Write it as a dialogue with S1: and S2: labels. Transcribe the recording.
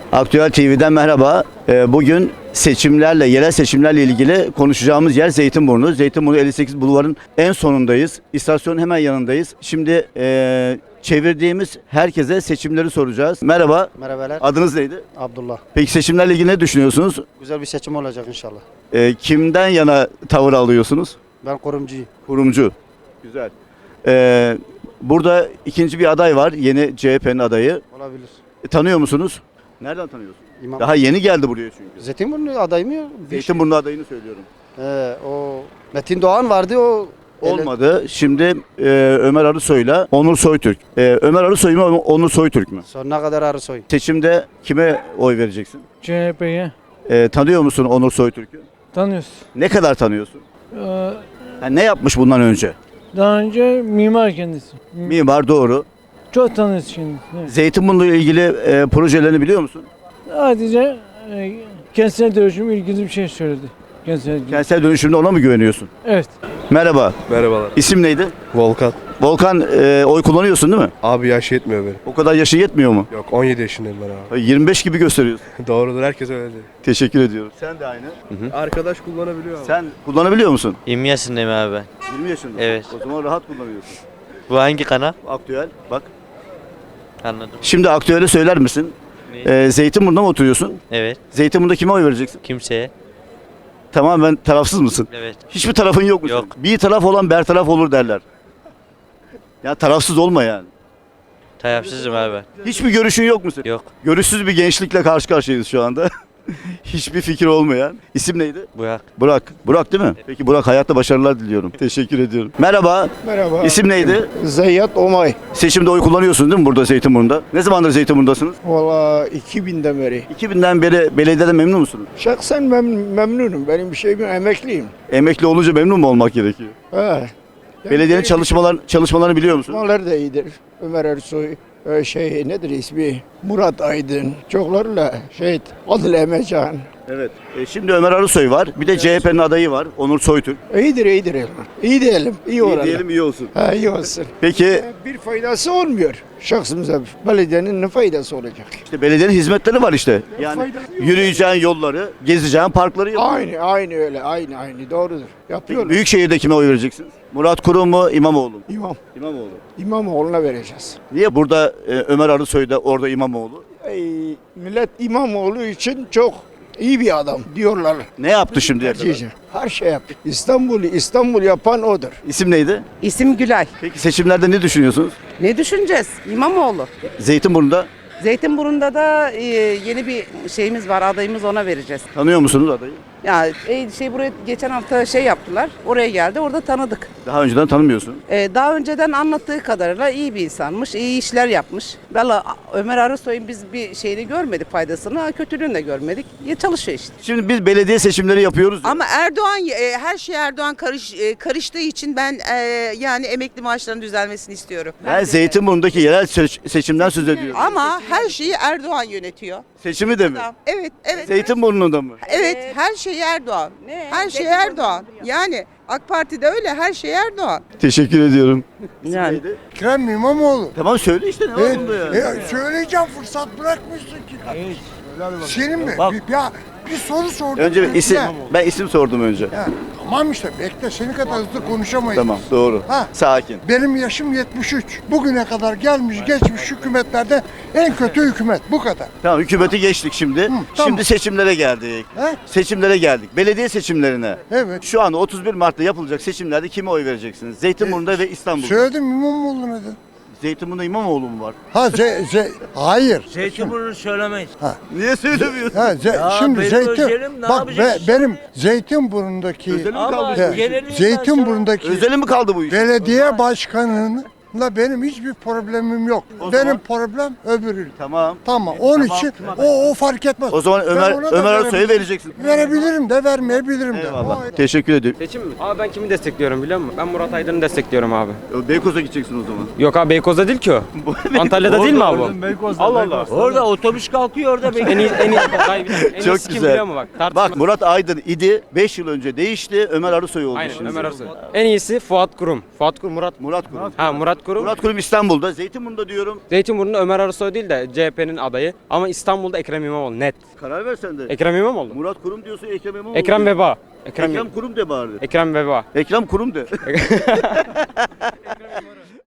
S1: Aktüel TV'den merhaba. Bugün seçimlerle, yerel seçimlerle ilgili konuşacağımız yer Zeytinburnu. Zeytinburnu 58 Bulvarı'nın en sonundayız. İstasyonun hemen yanındayız. Şimdi çevirdiğimiz herkese seçimleri soracağız. Merhaba.
S2: Merhabalar.
S1: Adınız neydi?
S2: Abdullah.
S1: Peki seçimlerle ilgili ne düşünüyorsunuz?
S2: Güzel bir seçim olacak inşallah.
S1: Kimden yana tavır alıyorsunuz?
S2: Ben kurumcuyum.
S1: Kurumcu. Güzel. Burada ikinci bir aday var. Yeni CHP'nin adayı.
S2: Olabilir.
S1: Tanıyor musunuz? Nereden tanıyorsun?
S2: İmam.
S1: Daha yeni geldi buraya çünkü.
S2: Zeytinburnu aday mı?
S1: Zeytinburnu adayını söylüyorum.
S2: O Metin Doğan vardı o.
S1: Olmadı. Şimdi Ömer Arısoy'la Onur Soytürk. Ömer Arısoy mu Onur Soytürk mü?
S2: Sonuna kadar Arısoy.
S1: Seçimde kime oy vereceksin?
S3: CHP'ye
S1: Tanıyor musun Onur Soytürk'ü?
S3: tanıyoruz.
S1: Ne kadar tanıyorsun?
S3: Ee,
S1: Ne yapmış bundan önce?
S3: Daha önce mimar kendisi.
S1: Mimar doğru.
S3: Çok tanıyoruz şimdi. Evet.
S1: Zeytinburnu ile ilgili projelerini biliyor musun?
S3: Sadece kentsel dönüşüm ilgili bir şey söyledi. Kentsel dönüşüm.
S1: Kentsel dönüşümde ona mı güveniyorsun?
S3: Evet.
S1: Merhaba.
S4: Merhabalar.
S1: İsim neydi?
S4: Volkan.
S1: Volkan, oy kullanıyorsun değil mi?
S4: Abi yaş yetmiyor benim.
S1: O kadar yaşın yetmiyor mu?
S4: Yok 17 yaşındayım ben abi.
S1: 25 gibi gösteriyorsun.
S4: Doğrudur, herkes öyle diyor.
S1: Teşekkür ediyorum. Sen de aynı.
S4: Arkadaş kullanabiliyor abi.
S1: Sen kullanabiliyor musun?
S5: 20 yaşındayım abi ben.
S1: 20 yaşında.
S5: Evet.
S1: O zaman rahat kullanıyorsun.
S5: Bu hangi kanal?
S1: Aktüel bak.
S5: Anladım.
S1: Şimdi aktüeli söyler misin? Zeytinburnu'nda mı oturuyorsun?
S5: Evet.
S1: Zeytinburnu'nda kime oy vereceksin?
S5: Kimseye.
S1: Tamamen tarafsız mısın?
S5: Evet.
S1: Hiçbir tarafın yok mu?
S5: Yok.
S1: senin? Bir taraf olan bertaraf olur derler. Ya tarafsız olma yani.
S5: Tarafsızım abi ben.
S1: Hiçbir görüşün yok mu senin?
S5: Yok.
S1: Görüşsüz bir gençlikle karşı karşıyayız şu anda. Hiçbir fikir olmayan. İsim neydi?
S5: Burak.
S1: Burak. Burak değil mi? Peki Burak, hayatta başarılar diliyorum. Teşekkür ediyorum. Merhaba.
S6: Merhaba.
S1: İsim neydi?
S6: Zeyyat Omay.
S1: Seçimde oy kullanıyorsunuz değil mi burada Zeytinburnu'nda? Ne zamandır Zeytinburnu'ndasınız?
S6: Valla 2000'den beri.
S1: 2000'den beri belediyeden memnun musunuz?
S6: Şahsen memnunum. Benim bir şeyim yok, emekliyim.
S1: Emekli olunca memnun mu olmak gerekiyor?
S6: He. Yani
S1: Belediyenin çalışmalarını biliyor musunuz?
S6: çalışmalar da iyidir. Ömer Ersoy, nedir ismi? Murat Aydın. Çoklarla Adil Emecan.
S1: Evet. Şimdi Ömer Arısoy var. Bir de CHP'nin adayı var. Onur Soytürk.
S6: İyidir. İyi diyelim. İyi olalım.
S1: diyelim, iyi olsun.
S6: Ha, iyi olsun.
S1: Peki
S6: Bir faydası olmuyor. Şahsımıza belediyenin ne faydası olacak?
S1: işte belediyenin hizmetleri var işte. Yani
S6: faydası yok.
S1: yürüyeceğin yolları, gezeceğin parkları yapıyor.
S6: Aynı öyle. Aynı. Doğrudur.
S1: Peki
S6: Yapıyorlar.
S1: Büyükşehir'de kime oy vereceksiniz? Murat Kurum mu, İmamoğlu mu?
S6: İmam.
S1: İmamoğlu.
S6: İmamoğlu'na vereceğiz.
S1: Niye burada Ömer Arısoy'da, orada İmamoğlu?
S6: Millet İmamoğlu için çok iyi bir adam diyorlar.
S1: Ne yaptı şimdiye kadar?
S6: Her şey yaptı. İstanbul yapan odur.
S1: İsim neydi?
S7: İsim Gülay.
S1: Peki seçimlerde ne düşünüyorsunuz?
S7: Ne düşüneceğiz? İmamoğlu.
S1: Zeytinburnu'nda
S7: Zeytinburnu'nda da yeni bir şeyimiz var, adayımız, ona vereceğiz.
S1: tanıyor musunuz adayı?
S7: Ya buraya geçen hafta yaptılar. Oraya geldi. Orada tanıdık.
S1: Daha önceden tanımıyorsun.
S7: Daha önceden anlattığı kadarıyla iyi bir insanmış, iyi işler yapmış. Valla Ömer Arısoy'un biz bir şeyini görmedik, faydasını, kötülüğünü de görmedik. Ya çalışıyor işte.
S1: Şimdi biz belediye seçimleri yapıyoruz ya.
S8: Ama Erdoğan her şey Erdoğan karıştığı için ben yani emekli maaşlarının düzelmesini istiyorum.
S1: Ben Zeytinburnu'ndaki yerel seçimden söz ediyorum.
S8: Ama her şeyi Erdoğan yönetiyor.
S1: Seçimi de mi?
S8: Evet.
S1: Zeytinburnu'nda mı?
S8: Evet, her şey Erdoğan. Her şey Erdoğan. Yani AK Parti'de öyle, her şey Erdoğan.
S1: Teşekkür ediyorum.
S7: Yani.
S6: Ekrem İmamoğlu.
S1: Tamam söyle işte, ne var bunda ya?
S6: Söyleyeceğim, fırsat bırakmışsın ki. Senin mi?
S1: Bak.
S6: Ya bir soru sordum.
S1: Önce bir isim,
S6: Ya,
S1: ben isim sordum önce.
S6: tamam işte, bekle, seni kadar hızlı konuşamayız.
S1: Tamam, doğru.
S6: Ha.
S1: Sakin.
S6: Benim yaşım 73. Bugüne kadar gelmiş geçmiş hükümetlerde en kötü hükümet. Bu kadar.
S1: Tamam, hükümeti geçtik şimdi.
S6: tamam.
S1: Şimdi seçimlere geldik.
S6: He?
S1: Seçimlere geldik. Belediye seçimlerine.
S6: Evet.
S1: Şu anda 31 Mart'ta yapılacak seçimlerde kime oy vereceksiniz? Zeytinburnu'nda ve İstanbul'da.
S6: Söyledim, İmamoğlu dedi.
S1: Zeytinburnu'nda İmamoğlu mu var?
S6: Hayır.
S9: Zeytinburnu söylemeyiz.
S1: Niye söylemiyorsun?
S6: Şimdi
S9: benim özelim, ne
S6: bak
S9: yapacağız?
S6: benim Zeytinburnu'ndaki
S1: Özeli mi
S9: Ama
S1: kaldı?
S9: genelini
S6: Zeytinburnu'ndaki
S1: Özeli mi kaldı bu iş?
S6: belediye başkanıyla benim hiçbir problemim yok.
S1: O
S6: Benim
S1: zaman-
S6: problem öbürü.
S1: Tamam.
S6: Tamam. Onun için o fark etmez.
S1: O zaman
S6: Ben
S1: Ömer
S6: ona da
S1: Arısoy'a
S6: verebilirim.
S1: vereceksin.
S6: Verebilirim de vermeyebilirim de.
S1: Eyvallah. Teşekkür ediyorum.
S10: Seçim mi? Abi ben kimi destekliyorum biliyor musun? Ben Murat Aydın'ı destekliyorum abi.
S1: Beykoz'a gideceksin o zaman.
S10: Yok abi Beykoz'da değil ki o. Antalya'da değil mi abi o? Allah Allah.
S9: Orada otobüs kalkıyor orada.
S10: En
S1: Çok
S10: iyisi kim
S1: güzel.
S10: biliyor musun bak?
S1: Bak, Murat Aydın idi. 5 yıl önce değişti. Ömer Arısoy oldu
S10: Aynen
S1: şimdi.
S10: Ömer Arısoy. En iyisi Fuat Kurum. Fuat Kurum Murat.
S1: Murat Kurum.
S10: Ha Murat Murat Kurum.
S1: Murat Kurum İstanbul'da. Zeytinburnu'nda diyorum.
S10: Zeytinburnu'nda Ömer Arısoy değil de CHP'nin adayı. Ama İstanbul'da Ekrem İmamoğlu net.
S1: Karar ver sen de.
S10: Ekrem İmamoğlu.
S1: Murat Kurum diyorsun, Ekrem İmamoğlu.
S10: Ekrem
S1: diyorsun.
S10: Veba.
S1: Ekrem Kurum de bari.
S10: Ekrem Veba.
S1: Ekrem Kurum de.